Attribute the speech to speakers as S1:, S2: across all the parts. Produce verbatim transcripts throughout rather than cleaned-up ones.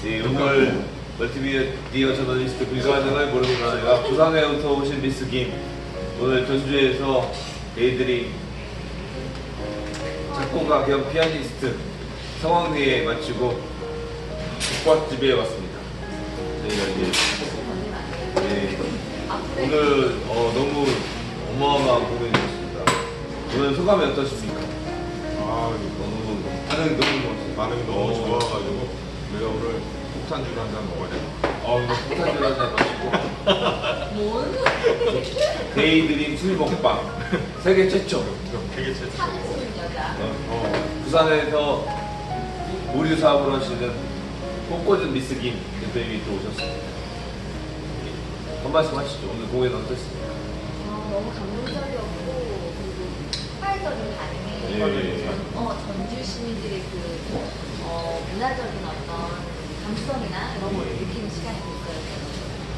S1: 네, 오늘 멀티미디어 저널리스트 불가능을 모르는 아이가 부산에부터 오신 미스 김. 오늘 전주에서 데이드림 작곡가 겸 피아니스트 성황리에 마치고 국밥집에 왔습니다. 저희가 이제 네, 오늘 어, 너무 어마어마한 공연이었습니다. 오늘 소감이 어떠십니까?
S2: 아,
S1: 너무 반응이 너무 좋았어요.
S2: 반응이 너무 좋아가지고 내가 오늘 폭탄주를 한 잔 먹어야 돼.
S1: 아, 오늘 폭탄주를 한잔 마시고
S3: 뭔?
S1: 데이드림 술 먹방 세계 최초.
S2: 되게 최초.
S3: 참수인 여자.
S2: 어,
S1: 부산에서 의류 사업을 하시는 꽃꽂은 미스 김 대표님이 또 오셨습니다. 한 말씀 하시죠. 오늘 공연 어땠습니까?
S3: 어, 너무 감동적이었고 그리고 폭발적인 반응이
S1: 예.
S3: 어, 전주 시민들의 그 어, 문화적인 어떤 감수성이나 이런 걸 느끼는 시간이 됐어요.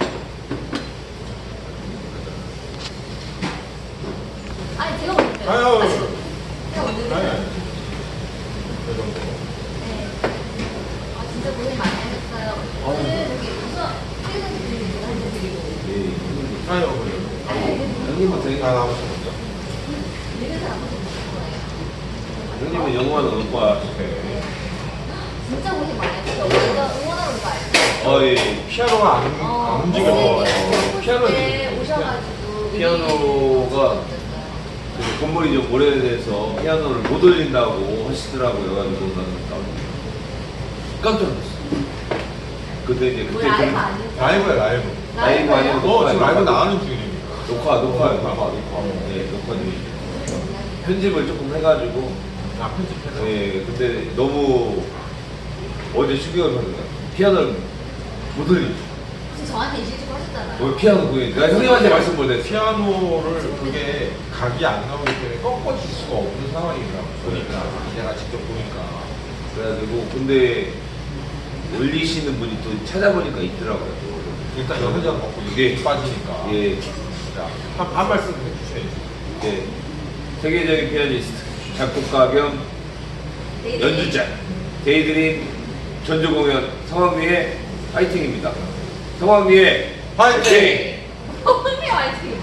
S3: 아니 제가 먼저
S2: 아유, 아유.
S3: 제가 먼저
S2: 아니,
S3: 했어요.
S2: 아니. 그 정도.
S3: 네. 아 진짜 고생 많이 하셨어요. 오늘 여기 우선 퇴근 드리는 제가 한잔 드리고
S1: 예.
S2: 아유, 그래요.
S3: 아니
S1: 형님부터 해.
S2: 아, 나머지 먼저.
S3: 이런 사람 한번 드실 거예요.
S1: 형님은 영화는 오빠.
S3: 네. 진짜 고생 많이 했어요. 우리가 응원하러 온 거 알죠?
S1: 어, 예.
S2: 피아노가 안, 안 움직여서.
S1: 피아노
S3: 때 오셔가지고
S1: 피아노가 그 건물이 좀 오래돼서 피아노를 못 올린다고 하시더라고요. 그래가지고 나는 깜짝 놀랐어. 근데 이제
S3: 우리
S1: 그때
S3: 라이브
S1: 좀
S3: 아니에요?
S2: 라이브야, 라이브.
S1: 라이브 아니고
S2: 너 지금 라이브
S1: 녹화,
S2: 나가는 중입니다.
S1: 녹화, 녹화,
S2: 녹화,
S1: 녹화,
S2: 녹화.
S1: 네, 녹화 중이죠. 편집을 조금 해가지고
S2: 아, 편집해서.
S1: 예, 근데 너무 어제 추격을 받는다. 피아노를 못 올리죠.
S3: 혹시 저한테 이실 좀 하셨잖아요.
S1: 뭐 피아노 공연. 내가 형님한테 말씀 못 했어.
S2: 피아노를 그게 각이 안 나오기 때문에 꺾어질 수가 없는 상황이더라고. 보니까. 내가 직접 보니까.
S1: 그래가지고 근데 올리시는 분이 또 찾아보니까 있더라고요.
S2: 일단 연장 먹고
S1: 예.
S2: 이게 빠지니까.
S1: 예,
S2: 자, 한, 한 말씀 해주셔야지.
S1: 예. 세계적인 피아니스트, 작곡가 겸
S3: 네,
S1: 연주자, 데이드림 전주 공연 성황리의 파이팅입니다. 성황리의 파이팅!
S3: 언니 화이팅!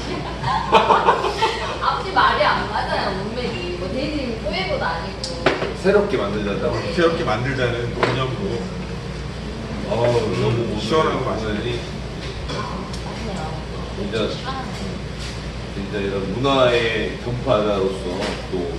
S3: 앞뒤 말이 안 맞아요, 문맥이. 뭐 데이드림이 꼬예고도 아니고.
S1: 새롭게 만들자고.
S2: 새롭게 만들자는 개념으로
S1: 어우, 너무
S2: 시원한 거 마셔야지.
S1: 오늘이
S3: 맞네요.
S1: 진짜
S3: 아,
S1: 진짜 이런 문화의 전파자로서 또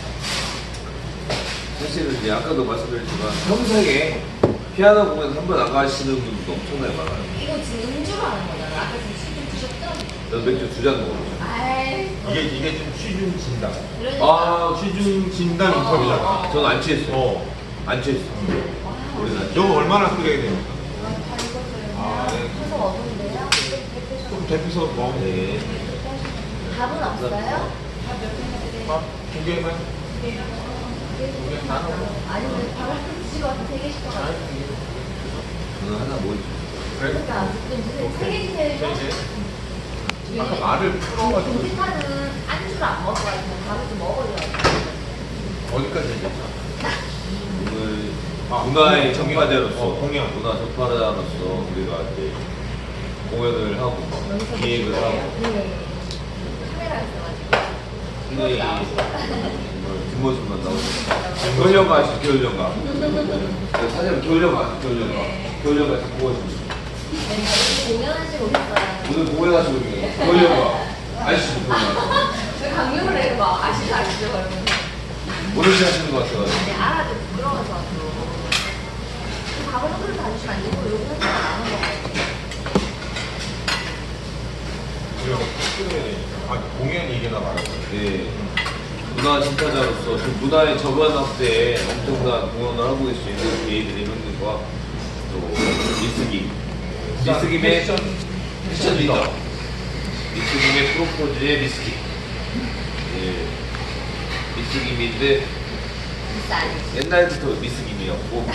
S1: 사실은 이제 아까도 말씀드렸지만 평생에 피아노 공연 한 번 안 가시는 분도 엄청나게 많아요.
S3: 이거 지금 음주로 하는 거잖아요. 아까 지금 술좀 드셨죠?
S1: 전 맥주 두 잔 먹었죠.
S3: 아이.
S2: 이게 이게 좀 취중 진단.
S3: 그러니까.
S1: 아,
S2: 취중 진단
S3: 어,
S2: 인터뷰잖아.
S3: 어, 어.
S1: 전 안 취했어요.
S2: 어.
S1: 안 취했어.
S3: 와,
S1: 우리는 안
S2: 이거 얼마나 끓여야 됩니까?
S3: 다 익었어요.
S2: 아, 네.
S3: 계속 어두운데요?
S2: 좀 데펴서 먹으면 돼.
S1: 네.
S3: 밥은 없어요? 밥몇 개나
S2: 밥 두 개만.
S3: 아니면 밥을 드시고 와서 세 개씩 더 가져요.
S1: 저는 하나 뭐
S2: 그래?
S3: 그러니까 좀 세 개 주세요.
S2: 이제 아까 말을 풀어가지고
S3: 공식하는 안주를 안 먹어가지고 밥을 좀 먹어요.
S2: 어디까지 얘기했죠?
S1: 오늘
S2: 아,
S1: 문화의
S2: 공연,
S1: 전파자로서
S2: 어, 공연.
S1: 문화 전파자로서 우리가 이제 공연을 하고 기획을 하고
S3: 네. 카메라 있어가지고.
S1: 굉장히 정말 뒷모습만 나오죠. 겨울연가 아시죠? 겨울연가. 그 사실 겨울연가 아시죠? 겨울연가. 겨울연가 자꾸 보여줍니다.
S3: 네, 공연하시고 오셨어요.
S1: 오늘 공연하시고 있는 겨울연가 아시죠? 겨울연가.
S3: 저 강요를 해요. 막 아시죠? 아시죠? 그러면.
S1: 모르시 하시는 것 같아요.
S3: 아니, 알아도 부끄러워서 또. 밥을 한 그릇 다 주시면 안 되고, 요거 한 그릇 나눠 먹어요.
S2: 그리고 끊어야 되니까. 아, 공연 얘기나 말하고.
S1: 예. 문화 진파자로서 그 문화의 저변 확대에 엄청난 공헌을 하고 계실 수 있는 개인들의 형님과 또 미스김. 미스김의
S2: 패션,
S1: 패션 리더. 미스김의 프로포즈의 미스김. 예. 미스김인데
S3: 비싸.
S1: 옛날부터 미스김이었고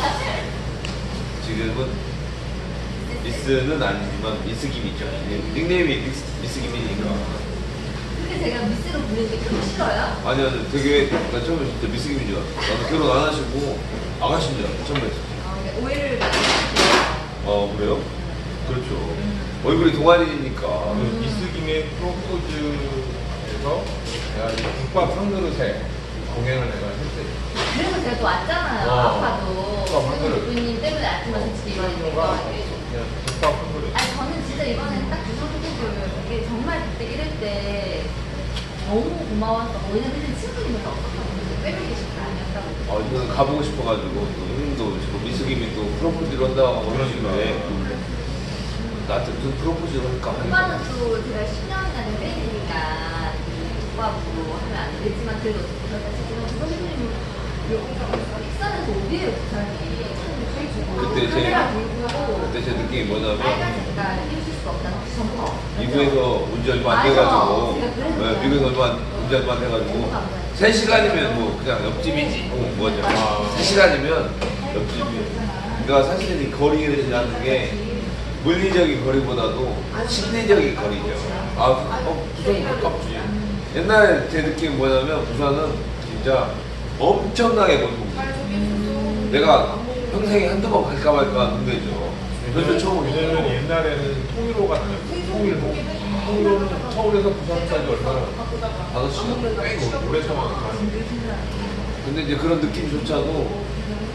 S1: 지금은 미스는 아니지만 미스김이죠. 예, 닉네임이 미스, 미스김이니까.
S3: 근데 제가 미스로 부르는 게 그렇게 싫어요?
S1: 아니 아니 되게 나 처음에 진짜 미스김인 줄 알았어. 나도 결혼 안 하시고 아가씨인 줄 알았어. 처음에.
S3: 아, 네, 오해를 많이 했어요.
S1: 어 그래요? 그렇죠. 얼굴이 동안이니까.
S2: 그 미스김의 프로포즈에서 내가 이제 국밥 한 그릇에 공연을 내가 했대.
S3: 그래서 제가 또 왔잖아요.
S2: 어.
S3: 아파도.
S2: 국밥 한 그릇.
S3: 대표님 때문에 왔지만 솔직히 이번에 된 거 같아요.
S2: 그냥 국밥 한 그릇.
S3: 아니 저는 진짜 이번에는 딱 그 성격을 이게 정말 그때 이럴 때 너무 고마웠어. 왜냐면 그때 친구님이 별로 없었거든요. 빼고 계신 거 아니었다고.
S1: 아 이거는 가보고 싶어가지고 또 형님도 지금 미숙임이 또 프로포즈를 한다고 그러시는데 나한테 무슨 프로포즈를 할까 하니까
S3: 오빠는 또 제가 십 년이나 된 팬이니까 오빠부로 하면 안 되지만 그래도 그렇다 치지만 선생님은 익산에서 어디에요 부산이?
S1: 그때 제-
S3: 카메라 들고
S1: 그때 제 느낌이 뭐냐면
S3: 빨간 색깔 입으실 수 없다는 혹시 점퍼
S1: 미국에서 온 지 얼마 안
S3: 맞아.
S1: 돼가지고
S3: 제가 그랬어요.
S1: 네, 미국에서 얼마 온 지 얼마 안 돼가지고 세 시간이면 뭐 그냥 옆집이지 뭐 뭐죠
S2: 아.
S1: 세 시간이면 옆집이 그러니까 사실은 이 거리라는 게 물리적인 거리보다도 심리적인 거리죠. 아, 어, 부산이 가깝지. 옛날에 제 느낌이 뭐냐면 부산은 진짜 엄청나게 먼 동네. 내가 평생에 한두 번 갈까 말까 하는 데죠. 그래서 처음
S2: 왜냐면
S1: 오죠.
S2: 옛날에는 통일호가 다녔고 통일호. 통일호는 서울에서 부산까지 얼마나
S1: 다섯 시간.
S2: 꽤 오래 참았는데.
S1: 근데 이제 그런 느낌조차도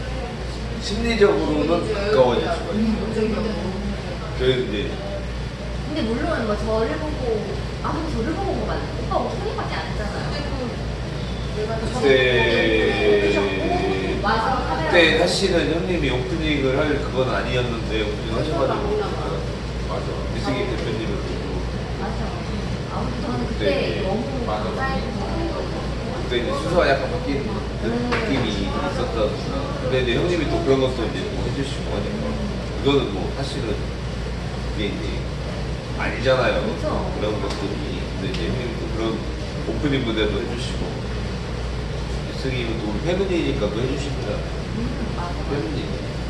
S1: 심리적으로는 가까워질 수가 있어요. 그래서 이제
S3: 근데 물론 뭐 저를 보고 아무도 저를 보고 온 거 맞아요. 오빠 목소리밖에 안 했잖아요.
S1: 그때
S3: 와서 카메라
S1: 그때 사실은 형님이 오프닝을 할 그건 아니었는데 오프닝 하셔가지고 맞아 미승희 대표님을 보고
S3: 맞아. 아무튼 저는 그때
S1: 네.
S3: 너무
S2: 맞아.
S3: 감사했고
S1: 그때 이제 순서가 약간 바뀐 느낌이 있었다. 근데 이제 형님이 또 그런 것도 이제 뭐 해주시고 하니까 이거는 뭐 사실은 이게 이제 아니잖아요.
S3: 그렇죠.
S1: 그런 것들이. 근데 이제 형님이 또 그런 오프닝 무대도 해주시고 미승희는 또 우리 패밀리니까 또 해주시잖아요.
S3: 음, 맞아.
S1: 패밀리.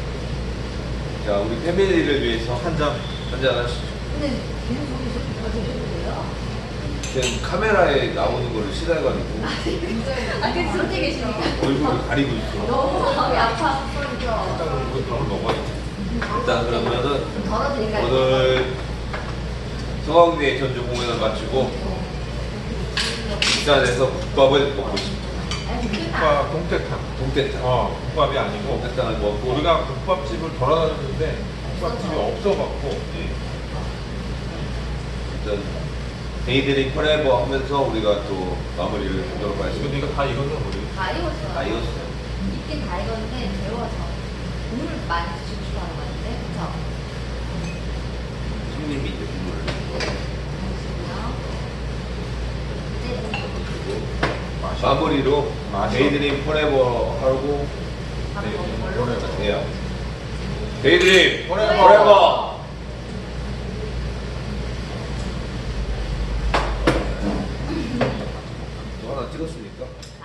S1: 자 우리 패밀리를 위해서
S2: 한 잔.
S1: 한잔 하시죠.
S3: 근데 걔는 저기 저기 저기 해주세요.
S1: 지금 카메라에 나오는 거를 싫어해가지고
S3: 아, 그 저기 계시니까.
S1: 얼굴을 가리고 있어.
S3: 너무 마음이 아파서 그렇죠.
S2: 일단 우리 밥을 먹어야지.
S1: 일단 그러면은
S3: 덜어드릴까요?
S1: 오늘 서강대 전주 공연을 마치고 부산에서 국밥을 먹고 싶다.
S3: 아니, 그게 다
S2: 국밥 동태탕.
S1: 동태탕.
S2: 어, 국밥이 아니고
S1: 동태탕을 먹고
S2: 우리가 국밥집을 돌아다녔는데 국밥집이 없어갖고
S1: 예. 일단 데이드링 포레버 하면서 우리가 또 마무리를 하도록
S2: 이거
S1: 하겠습니다.
S2: 네가 다 익었나 우리?
S3: 다 익었어요.
S1: 다 익었어요.
S3: 익긴 다 익었는데 데워서 국물 많이 드시고 싶어 하는 거 같은데 그쵸?
S1: 손님이 이제 국물을
S3: 잠시만요.
S2: 맛이
S1: 마무리로
S2: 맛이
S1: 데이드림 포레버 하고
S3: 이제 밥 먹는 걸로.
S1: 해요. 데이드림
S2: 포레버.
S1: 포레버. 또 하나 찍었으니까.